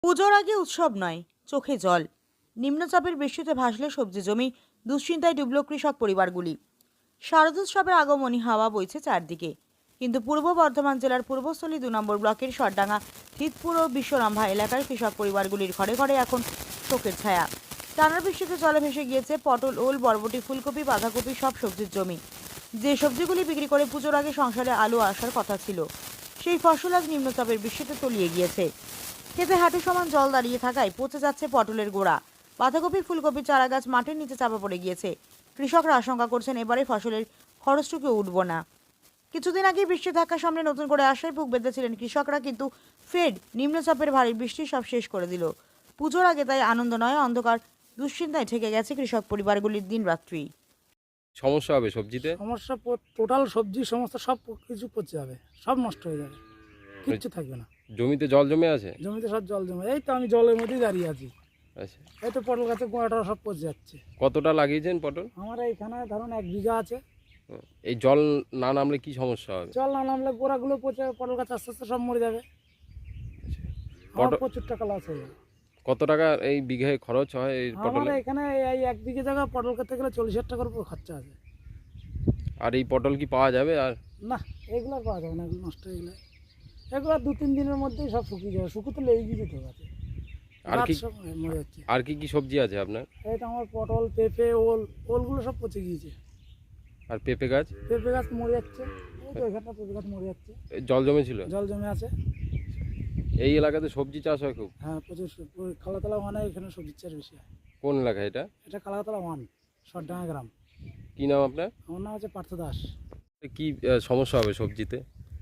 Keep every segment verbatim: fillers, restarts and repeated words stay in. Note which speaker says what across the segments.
Speaker 1: পুজোর আগে উৎসব নয়, চোখে জল। নিম্নচাপের বৃষ্টিতে ভাসলে সবজি জমি, দুশ্চিন্তায় ডুবল কৃষক পরিবারগুলি। শারদোৎসবের আগমনী হাওয়া বইছে চারদিকে, কিন্তু পূর্ব বর্ধমান জেলার পূর্বস্থলী দু নম্বর ব্লকের সরডাঙ্গা, থিতপুর ও বিশ্বরম্ভা এলাকার কৃষক পরিবারগুলির ঘরে ঘরে এখন শোকের ছায়া। টানা বৃষ্টিতে জলে ভেসে গিয়েছে পটল, ওল, বরবটি, ফুলকপি, বাঁধাকপি সব সবজির জমি। যে সবজিগুলি বিক্রি করে পুজোর আগে সংসারে আলু আসার কথা ছিল, সেই ফসল আজ নিম্নচাপের বৃষ্টিতে তলিয়ে গিয়েছে। খেতে হাঁটু সমান জল দাঁড়িয়ে থাকায় পচে যাচ্ছে পটলের গোড়া। বাঁধাকপি, ফুলকপির চারা গাছ মাটির নিচে চাপা পড়ে গিয়েছে। কৃষকরা আশঙ্কা করছেন এবারে ফসলের খরচটুকু উঠব না। কিছুদিন আগে বৃষ্টির ধাক্কার সামনে নতুন করে আশায় বুক বেঁধেছিলেন কৃষকরা, কিন্তু ফের নিম্নচাপের ভারী বৃষ্টি সব শেষ করে দিল। পুজোর আগে তাই আনন্দ নয়, অন্ধকার দুশ্চিন্তায় ঠেকে গেছে কৃষক পরিবারগুলির দিন রাত্রি।
Speaker 2: সমস্যা হবে সবজিতে?
Speaker 3: সমস্যা টোটাল সবজি সমস্ত সব কিছু পচে যাবে, সব নষ্ট হয়ে যাবে, কিচ্ছু থাকবে না।
Speaker 2: জমিতে জল জমে আছে?
Speaker 3: জমিতে সব জল জমে, এই তো আমি জলের মধ্যেই দাঁড়িয়ে আছি।
Speaker 2: আচ্ছা,
Speaker 3: এই তো পটল গাছের গোড়াটা সব পচে যাচ্ছে।
Speaker 2: কতটা লাগিয়েছেন পটল?
Speaker 3: আমার এইখানে ধরুন এক বিঘা আছে।
Speaker 2: হুম, এই জল না নামলে কি সমস্যা হবে?
Speaker 3: জল না নামলে গোড়াগুলো পচে পটল গাছ আস্তে আস্তে সব মরে যাবে। আমার
Speaker 2: পটল-
Speaker 3: প্রচুর টাকা লস হয়ে যাবে।
Speaker 2: কত টাকা এই বিঘায় খরচ হয় এই
Speaker 3: আমার
Speaker 2: পটলে?
Speaker 3: এখানে এই এক বিঘে জায়গা পটল করতে গেলে চল্লিশ হাজার টাকার উপর খরচা আছে।
Speaker 2: আর এই পটল কি পাওয়া যাবে? আর
Speaker 3: না, এগুলো আর পাওয়া যাবে না, এগুলো নষ্ট হয়ে গেলে এগুলো দু তিন দিনের মধ্যেই সব শুকিয়ে যাবে, শুকুতে লেগে যেতে গাছে,
Speaker 2: আর
Speaker 3: গাছ
Speaker 2: কি
Speaker 3: সব মরে যাচ্ছে।
Speaker 2: আর কি কি সবজি আছে আপনার?
Speaker 3: এই তো আমার পটল, পেঁপে, ওল, ওলগুলো সব পচে গিয়েছে।
Speaker 2: আর পেঁপে গাছ?
Speaker 3: পেঁপে গাছ মরে যাচ্ছে, এই তো এখানটা পেঁপে গাছ মরে যাচ্ছে,
Speaker 2: এই জল জমে ছিল?
Speaker 3: জল জমে আছে।
Speaker 2: এই এলাকাতে সবজি চাষ হয় খুব?
Speaker 3: হ্যাঁ, প্রচুর সব- ওই কালাতলা ওয়ানে এখানে সবজির চাষ বেশি হয়।
Speaker 2: কোন এলাকা এটা?
Speaker 3: এটা কালাতলা ওয়ান, সরডাঙ্গা গ্রাম।
Speaker 2: কি নাম আপনার?
Speaker 3: আমার নাম হচ্ছে পার্থ দাস।
Speaker 2: কি আহ, সমস্যা হবে সবজিতে?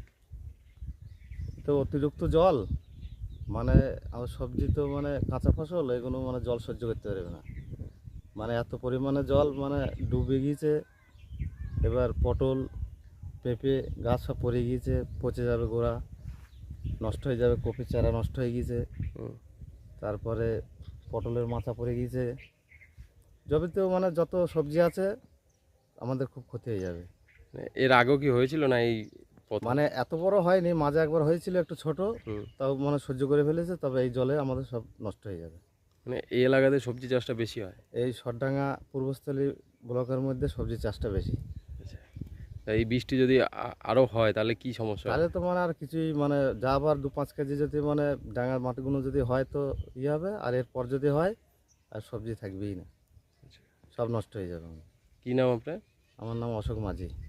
Speaker 4: তো অতিরিক্ত জল মানে আমার সবজি তো মানে কাঁচা ফসল, এগুলো মানে জল সহ্য করতে পারবে না। মানে এত পরিমাণে জল মানে ডুবে গিয়েছে। এবার পটল, পেঁপে গাছ সব পড়ে গিয়েছে, পচে যাবে, গোড়া নষ্ট হয়ে যাবে, কপির চারা নষ্ট হয়ে গিয়েছে,
Speaker 2: হুম,
Speaker 4: তারপরে পটলের মাচা পড়ে গিয়েছে। জমিতেও মানে যত সবজি আছে আমাদের খুব ক্ষতি হয়ে যাবে।
Speaker 2: এর আগেও কি হয়েছিল না এই প্রথম?
Speaker 4: মানে এত বড় হয়নি, মাঝে একবার হয়েছিল একটু ছোট,
Speaker 2: হুম,
Speaker 4: তাও মানে সহ্য করে ফেলেছে। তবে এই জলে আমাদের সব নষ্ট হয়ে যাবে।
Speaker 2: মানে এই এলাকাতে সবজি চাষটা বেশি হয়?
Speaker 4: এই সরডাঙ্গা পূর্বস্থলী ব্লকের মধ্যে সবজি চাষটা বেশি।
Speaker 2: আচ্ছা, তা এই বৃষ্টি যদি আ- আরো হয় তাহলে কি সমস্যা হবে?
Speaker 4: তাহলে তো মানে আর কিছুই মানে যা আবার দু পাঁচ কেজি যদি মানে ডাঙার মাটিগুলো যদি হয় তো ইয়ে হবে, আর এরপর যদি হয় আর সবজি থাকবেই না, সব নষ্ট হয়ে যাবে।
Speaker 2: কি নাম আপনার?
Speaker 4: আমার নাম অশোক মাঝি।